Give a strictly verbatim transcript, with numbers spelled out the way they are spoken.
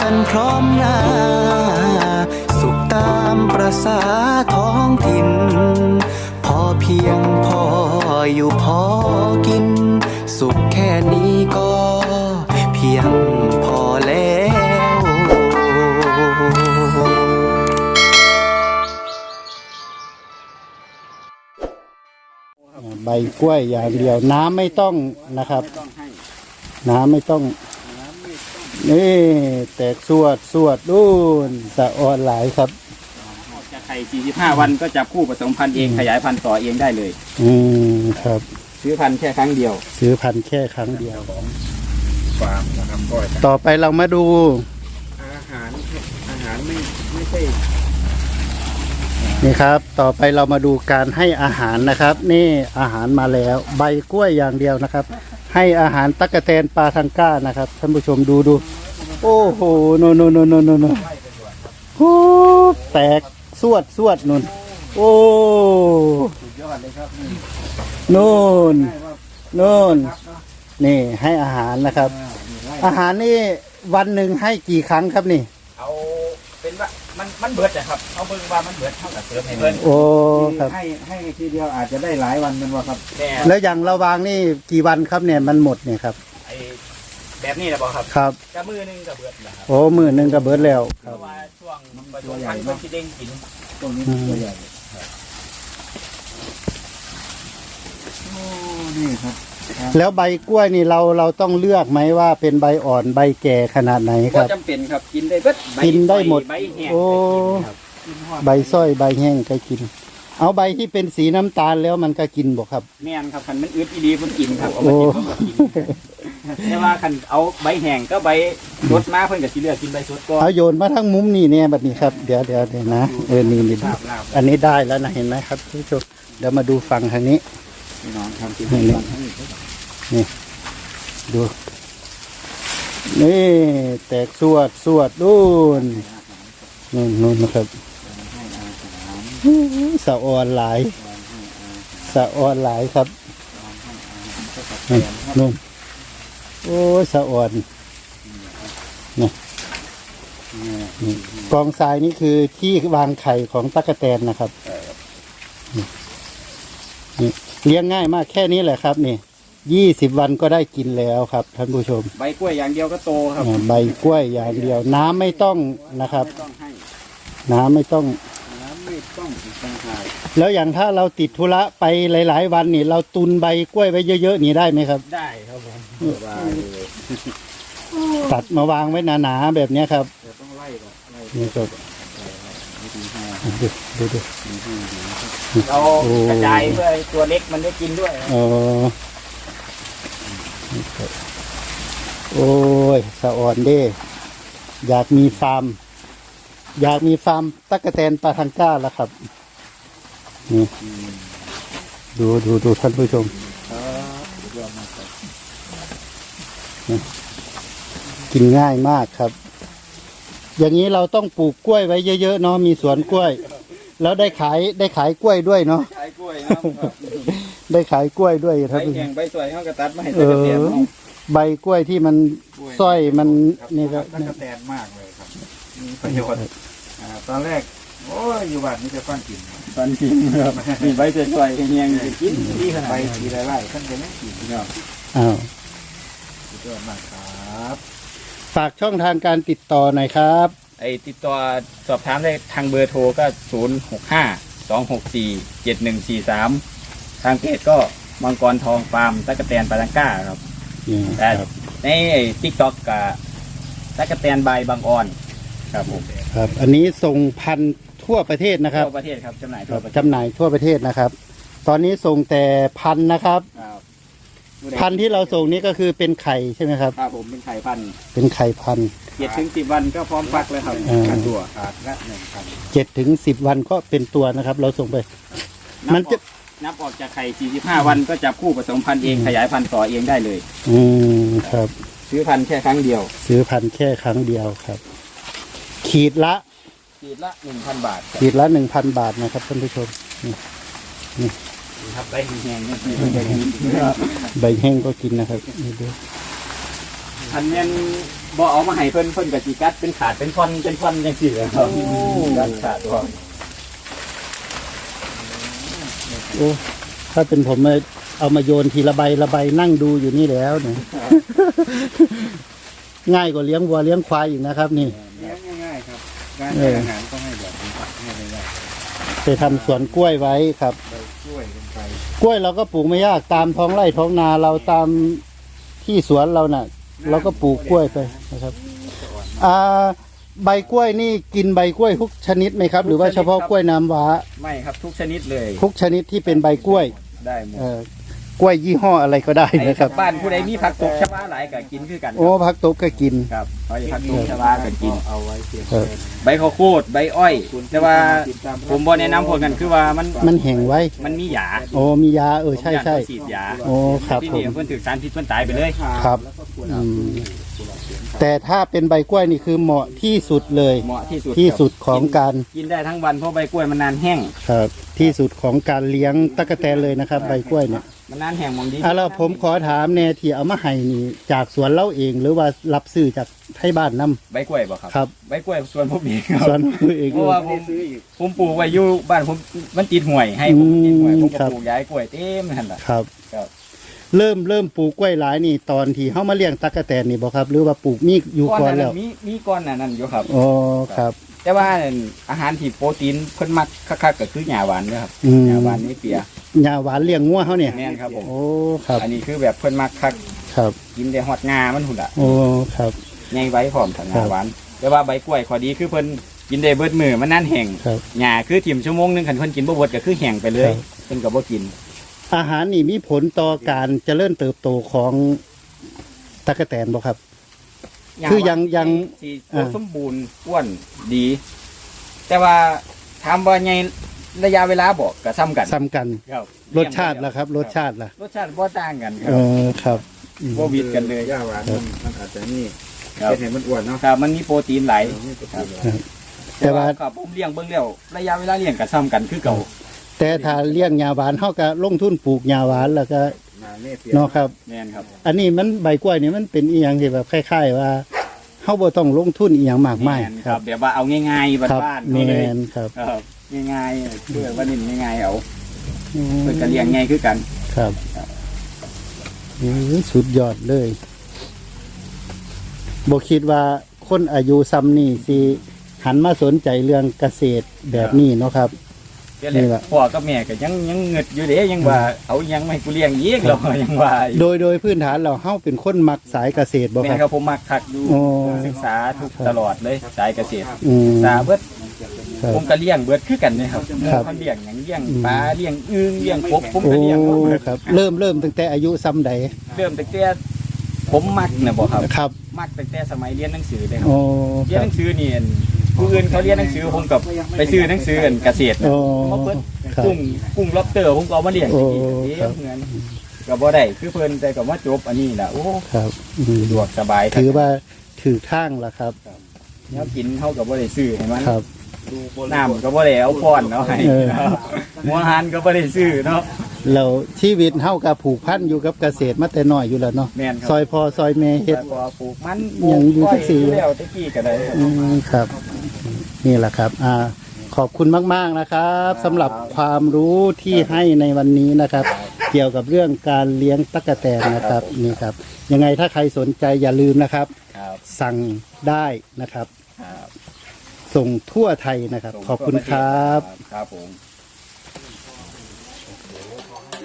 กันพร้อมหน้าสุขตามประสาท้องถิ่นพอเพียงพออยู่พอกินสุขแค่นี้ก็เพียงพอแล้วใบกล้วยอย่างเดียวน้ำไม่ต้องนะครับน้ำไม่ต้องนี่แตกสวดสวดดูนสะออนหลายครับออกจากไข่สี่สิบห้าวันก็จับคู่ผสมพันธุ์เองขยายพันธุ์ต่อเองได้เลยอืมครับซื้อพันธุ์แค่ครั้งเดียวซื้อพันธุ์แค่ครั้งเดียวฟาร์มนะครับก็ต่อไปเรามาดูอาหารอาหารไม่ไม่ใช่นี่ครับต่อไปเรามาดูการให้อาหารนะครับนี่อาหารมาแล้วใบกล้วยอย่างเดียวนะครับให้อาหารตั๊กแตนปลาทังก้านะครับท่านผู้ชมดูดูโอ้โหโนโนโนโนโนโนโอ้แตกสวดสวดนุ่นโอ้สุดยอดเลยครับนู่นนู่นนี่ให้อาหารนะครับอาหารนี่วันหนึ่งให้กี่ครั้งครับนี่เอาเป็นว่ามันมันเบิดอะครับเอาเบิ่งว่ามันเบิดเท่ากับเติมให้เบิ่งโอ้ครับให้ให้ทีเดียวอาจจะได้หลายวันมันว่าครับแล้วอย่างเราวางนี่กี่วันครับเนี่ยมันหมดเนี่ยครับไอแบบนี้นะบอกครับครับกระมือนึงกระเบิดนะครับโอ้มือนึงกระเบิดแล้วเพราะว่าช่วงตัวใหญ่มากที่เด้งกินตรงนี้ตัวใหญ่โอ้นี่ครับแล้วใบกล้วยนี่เราเราต้องเลือกไหมว่าเป็นใบอ่อนใบแก่ขนาดไหนครับก็จำเป็นครับกินได้เบิดกินได้หมดโอ้ใบส้อยใบแห้งก็กินเอาใบที่เป็นสีน้ำตาลแล้วมันก็กินบ่ครับแม่นครับคันมันอึดอีดีมันกินครับเอามากินก็กินแต่ว่าคันเอาใบแห้งก็ใบสดมาเพิ่นก็สิเลือกกินใบสดก็เอาโยนมาทั้งมุมนี่เนี่ยแบบนี้ครับเดี๋ยวเดี๋ยวเดี๋ยวนะเออนี่นี่อันนี้ได้แล้วนะเห็นไหมครับทุกผู้ชมเดี๋ยวมาดูฝั่งทางนี้น้องทำกินนี่นี่ดูนี่แตกสวดสวดดูนนู่นนู่นนะครับสะออนหลายสะออนหลายครับนู่นโอ้สะออนนี่กองทรายนี่คือที่วางไข่ของตั๊กแตนนะครับนี่เลี้ยงง่ายมากแค่นี้แหละครับนี่ยี่สิบวันก็ได้กินแล้วครับท่านผู้ชมใบกล้วยอย่างเดียวก็โตครับใบกล้วยอย่างเดียวน้ำไม่ต้องนะครับน้ำไม่ต้องน้ำไม่ต้องต่างหากแล้วอย่างถ้าเราติดธุระไปหลายๆวันนี่เราตุนใบกล้วยไว้เยอะๆนี่ได้ไหมครับได้ครับผมตัดมาวางไว้หนาๆแบบนี้ครับต้องไล่ก่อนนี่ครับดูดูเรากระจายเพื่อตัวเล็กมันได้กินด้วยอ๋อโอ้ยสะอ่อนเด้อยากมีฟาร์มอยากมีฟาร์มตั๊กแตนปลาทังก้าแล้วครับนี่ดูดูดูท่านผู้ชมกินง่ายมากครับอย่างนี้เราต้องปลูกกล้วยไว้เยอะๆเนาะมีสวนกล้วยแล้วได้ขายได้ขายกล้วยด้วยเนาะขายกล้วยครับได้ขายกล้วยด้วยครับใบแห้งใบสวยเขากระตัดมาให้ตั๊กแตนใบกล้วยที่มันสร้อยมันนี่ครับตั๊กแตนมากเลยครับมีประโยชน์ตอนแรกโอ้ยอยู่บ้านนี่จะฟันกินฟันกินครับมีใบสวยๆแห้งๆกินดีขนาดใบสีไร่ๆท่านจะไม่กินเนาะอ้าวสุดยอดมากครับฝากช่องทางการติดต่อหน่อยครับไอติดต่อสอบถามได้ทางเบอร์โทรก็ศูนย์หกห้าสองหกสี่เจ็ดหนึ่งสี่สามทางเพจก็มังกรทองฟาร์มตั๊กแตนปาลังก้าครับแต่ในติ๊กต็อกกับตั๊กแตนใบบางออนครับผมครับอันนี้ส่งพันทั่วประเทศนะครับทั่วประเทศครับจำหน่ายทั่วประเทศจำหน่ายทั่วประเทศนะครับตอนนี้ส่งแต่พันนะครับพันที่เราส่งนี้ก็คือเป็นไข่ใช่ไหมครับครับผมเป็นไข่พันเป็นไข่พันเจ็ดถึงสิบวันก็พร้อมฟักเลยครับตัวขาดละหนึ่งพันเจ็ดถึงสิบวันก็เป็นตัวนะครับเราส่งไปมันจะนับออกจากไข่สี่สิบห้าวันก็จับคู่ผสมพันธุ์เองขยายพันธุ์ต่อเองได้เลยอืมครับซื้อพันธุ์แค่ครั้งเดียวซื้อพันธุ์แค่ครั้งเดียวครับขีดละขีดละหนึ่งพันบาทขีดละหนึ่งพันบาทนะครับท่านผู้ชมนี่นี่ครับใบแห้งใบแห้งก็กินนะครับนี่ดูอคันแม่นบ่เอามาให้เพิ่นเพิ่นก็สิกัดเป็นขาดเป็นท่อนเป็นท่อนจังซี่เลยครับกัดขาดบ่โอ้ถ้าเป็นผมเนี่ยเอามาโยนทีละใบละใบนั่งดูอยู่นี่แล้วเนี่ย ง่ายกว่าเลี้ยงวัวเลี้ยงควายอีกนะครับนี่เลี้ยงง่ายๆครับการให้อาหารต้องให้แบบนี้ให้ง่ายไปทำสวนกล้วยไว้ครับๆใบกล้วยลงไปกล้วยเราก็ปลูกไม่ยากตามท้องไร่ท้องนาเราตามที่สวนเราน่ะ เราก็ปลูกกล้วยไปนะครับอ่าใบกล้วยนี่กินใบกล้วยทุกชนิดไหมครับ หรือว่าเฉพาะกล้วยน้ำว้าไม่ครับทุกชนิดเลยทุกชนิดที่เป็นใบกล้วยได้หมดเอ่อกล้วยยี่ห้ออะไรก็ได้ไอ้นะครับบ้านผู้ใดมีผักตบชวาหลายก็กินคือกันโอ้พักตบก็กินครับเขาจะผักตบชวาก็กินเอาไว้เพียงเออใบข้าวโพดใบอ้อย แต่ว่าผมบ่แนะนำพวกกันคือว่ามันมันแห้งไว้มันมีหยาโอ้มียาเออใช่ใช่ผมอยากให้ฉีดยาโอ้ครับที่ผนี่มเพิ่นถือสารพิษเพิ่นตายไปเลยครับอืมแต่ถ้าเป็นใบกล้วยนี่คือเหมาะที่สุดเลยเหมาะที่สุดที่สุดของการกินได้ทั้งวันเพราะใบกล้วยมันนานแห้งครับที่สุดของการเลี้ยงตั๊กแตนเลยนะครับ ใบกล้วยเนี่ยมันนานแห้งมองดีอ่ะแล้วผมขอถามแน่ที่เอามาให้นี่จากสวนเล่าเองหรือว่ารับซื้อจากไทยบ้านนํใบกล้วยบ่ครับครับใบกล้วยส่วนผมเองครับสวนเองเพราะว่าผมผมปลูกไว้อยู่บ้านผมมันติดห่วยให้ผมติดห่วยอืมผมก็ครับปลูกย้ายกล้วยเต็มนั่นแหละครับครับเริ่มเริ่มปลูกกล้วยหลายนี่ตอนที่เฮามาเลี้ยงตั๊กแตนนี่บ่ครับ หรือว่าปลูกมีอยู่ก่อนแล้วมีมีก้อนอันนั้นอยู่ครับอ๋อครับแต่ว่าอาหารที่โปรตีนเพิ่นมักคักๆก็คือหญ้าหวานนะครับอืมหญ้าหวานนี่เปียหญ้าหวานเลี้ยงงัวเฮาเนี่ยแม่นครับผมโอ้ครับอันนี้คือแบบเพิ่นมักคักครับกินได้ฮอดงามันหุ่นอ่ะโอ้ครับใหญ่ไว้พร้อมถังหครัญ้าบหวานแต่ว่าใบกล้วยข้อดีคือเพิ่นกินได้เบิดมื้อมันนานแห้งครับหญ้าคือถิ่มชั่วโมงหนึงคันเพิ่นกินบ่เบิดก็คือแห้งไปเลยครับเพิ่นก็บ่กินอาหารนี่มีผลต่อการเจริญเติบโตของตั๊กแตนบ่ครับ คือยังยังสีอ่าสมบูรณ์อ้วนดี แต่ว่าถามว่าไงระยะเวลาบอกก็ซ้ำกันซ้ำกันครับรสชาติล่ะครับ รสชาติล่ะรสชาติบ่ต่างกันคเอรับอครับอืมบ่วิดกันเลยหญ้าหวานมันมันอาจจะนี่ครับเป็นเห็นมันอ้วนเนาะครับมันมีโปรตีนหลายนี่ก็ครับคือแต่ว่าครับผมเลี้ยงเบิ่งแล้วระยะเวลาเลี้ยงก็ซ้ำกันคือเก่าแต่ถ้าเลี้ยงหญ้าหวานเฮาก็ลงทุนปลูกหญ้าหวานแล้วก็นาเน่เปียเนาะครับแม่นครับอันนี้มันใบกล้วยนี่มันเป็นอีหยังที่แบบคล้ายๆว่าเฮาบ่ต้องลงทุนอีหยังมากมายแม่นครับแบบว่าเอาง่ายๆครับบ้านๆแมเขาเลยนครับครับง่ายๆเพื่อว่านี่ง่ายๆเอาเพิ่นก็เลี้ยงง่ายคือกันครับอือสุดยอดเลยบ่คิดว่าคนอายุซ้ำนี่สิหันมาสนใจเรื่องเกษตรแบบนี้เนาะครับเดี๋ยวแหละนี่ล่ะพ่อกับแม่ก็ยังยังเงึดอยู่เด้ยังว่าเอายังไม่ให้กูเลี้ยงอีกหรอยังว่าอยู่โดยโดยพื้นฐานเราเฮาเป็นคนมักสายเกษตรบ่แม่คครัรับบผมมักคักดูโอ้ศึกษาทุกตลอดเลยสายเกษตรอืมตาเบิดครับผมก็เลี้ยงเบิดคือกันเลยครับครับเขาเลี้ยงอย่างเลี้ยงอืมปลาเลี้ยงอึ่งเลี้ยงกบผมโอ้ก็เลี้ยงหมดเบิดครับ เริ่มเริ่มตั้งแต่อายุซ้ำใดเริ่มตั้งแต่ผมมักนะบอกครับครับมักตั้งแต่สมัยเรียนหนังสือเลยครับโอ้เรีคยนรัหบนังสือนี่ผู้อื่นเขาเรียนหนังสือผมกับไปซื้อหนังสือกันเกษตรโอ้มาเบิดครับกุ้งกุ้งล็อบสเตอร์ผมก็เอามาเลี้ยงโอ้เองครับเหมือนก็บ่ได้คือเพิ่นแต่ก็มาจบอันนี้น่ะโอ้ครับอืมสะดวกสบายถือว่าถือทางแล้วครับแล้วกินเขาก็บ่ได้ซื้อให้มันครับน้ำก็บ่ได้เอาป้อนเนาะให้เออเนาะหัวหันก็บ่ได้ซื้อเนาะเราชีวิตเฮากับผูกพันอยู่กับเกษตรมาแต่น้อยอยู่แล้วเนาะแม่นครับซอยพอซอยแม่เฮ็ดแต่พอปลูกมันยังอยู่ที่สี่ปลูกแล้วตะกี้ก็ได้ครับอืมครับ นี่แหละครับ อ่า ขอบคุณมากๆนะครับสำหรับความรู้ที่ให้ในวันนี้นะครับ เกี่ยวกับเรื่องการเลี้ยงตั๊กแตนนะครับนี่ครับ ยังไงถ้าใครสนใจอย่าลืมนะครับครับสั่งได้นะครับครับส่งทั่วไทยนะครับ ขอบคุณครับครับผม